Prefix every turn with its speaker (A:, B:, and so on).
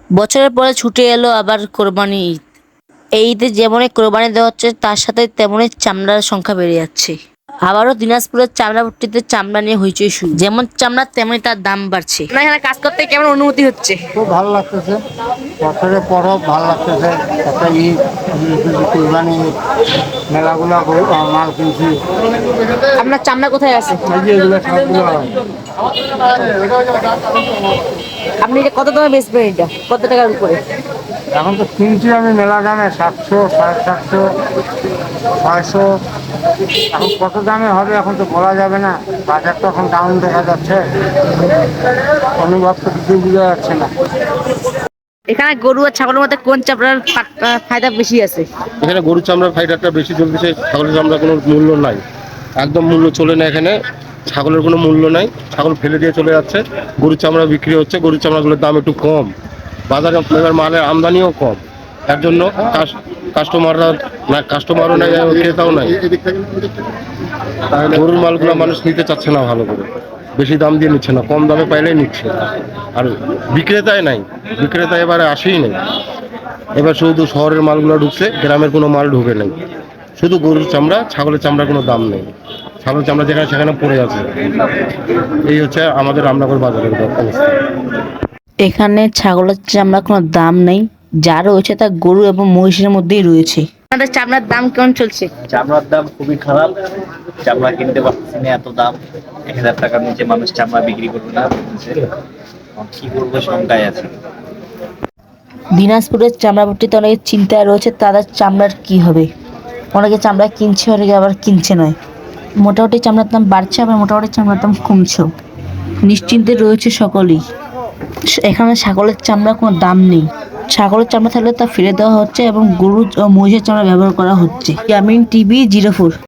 A: বছরের পরে ছুটে এলো আবার কোরবানি ঈদ। এই ঈদে যেমনই কোরবানি দেওয়া হচ্ছে তার সাথে তেমনই চামড়ার সংখ্যা বেড়ে যাচ্ছে। আবারও দিনাজপুরের চামড়া ভর্তিতে চামড়া নিয়ে হইচই শুরু। যেমন চামড়া তেমনই তার দাম বাড়ছে। না, এখানে কাজ করতে কেমন অনুভূতি হচ্ছে?
B: খুব ভালো লাগতেছে। বছরের পরব ভালো লাগতেছে। একটা ঈদ, কুরবানি ঈদ, মেলাগুলো মাল কিনছি।
A: আপনার চামড়া কোথায় আছে?
B: এই যে এগুলো সবগুলো
A: আপনি এটা কত দামে বেচবেন? এটা কত টাকার উপরে?
B: এখন তো কিনছি আমি মেলা দামে 700, 750, 600। এখন কত দামে হবে এখন তো বলা যাবে না। বাজার তো এখন ডাউন দেখা যাচ্ছে, অনুভব তো কিছু বোঝা যাচ্ছে না।
A: এখানে গরু আর ছাগলের মধ্যে কোন চামড়ার ফায়দা বেশি আছে?
C: এখানে গরুর চামড়ার ফাইটারটা বেশি চলতেছে, ছাগলের চামড়ার কোনো মূল্য নাই, একদম মূল্য চলে না এখানে। ছাগলের কোনো মূল্য নাই, ছাগল ফেলে দিয়ে চলে যাচ্ছে। গরুর চামড়া বিক্রি হচ্ছে, গরুর চামড়াগুলোর দাম একটু কম, বাজারে এবার মালের আমদানিও কম। তার জন্য কাস্টমাররা না, কাস্টমারও নাই, ক্রেতাও নাই। গরুর মালগুলো মানুষ নিতে চাচ্ছে না, ভালো করে বেশি দাম দিয়ে নিচ্ছে না, কম দামে পাইলেই নিচ্ছে। আর বিক্রেতাই নাই, বিক্রেতা এবারে আসেই নেই। এবার শুধু শহরের মালগুলো ঢুকছে, গ্রামের কোনো মাল ঢুকে নেই। শুধু গরুর চামড়া, ছাগলের চামড়ার কোনো দাম নেই। ছাগলের চামড়া যেখানে সেখানে পড়ে আছে। এই হচ্ছে আমাদের রামনগর বাজারের অবস্থা।
A: এখানে ছাগলের চামড়ার কোনো দাম নেই, যা রয়েছে তা গরু এবং মহিষের মধ্যেই রয়েছে। আপনাদের চামড়ার দাম কেমন চলছে?
D: চামড়ার দাম খুবই খারাপ। চামড়া কিনতে পারতেছি না, এত দাম। 1,000 টাকার নিচে মানুষ চামড়া বিক্রি করবে না বলতেছে। এখন কি করবো, শঙ্কায় আছে।
A: দিনাজপুরের চামড়া ভর্তিতে অনেকে চিন্তায় রয়েছে তাদের চামড়ার কি হবে। অনেকে চামড়া কিনছে, অনেকে আবার কিনছে নয়। মোটামুটি চামড়ার দাম বাড়ছে, আবার মোটামুটি চামড়ার দাম কমছেও। নিশ্চিন্তে রয়েছে সকলেই। এখানে ছাগলের চামড়ার কোনো দাম নেই। ছাগলের চামড়া থাকলে তা ফেলে দেওয়া হচ্ছে এবং গরু ও মহিষের চামড়া ব্যবহার করা হচ্ছে। ইয়ামিন টিভি 04।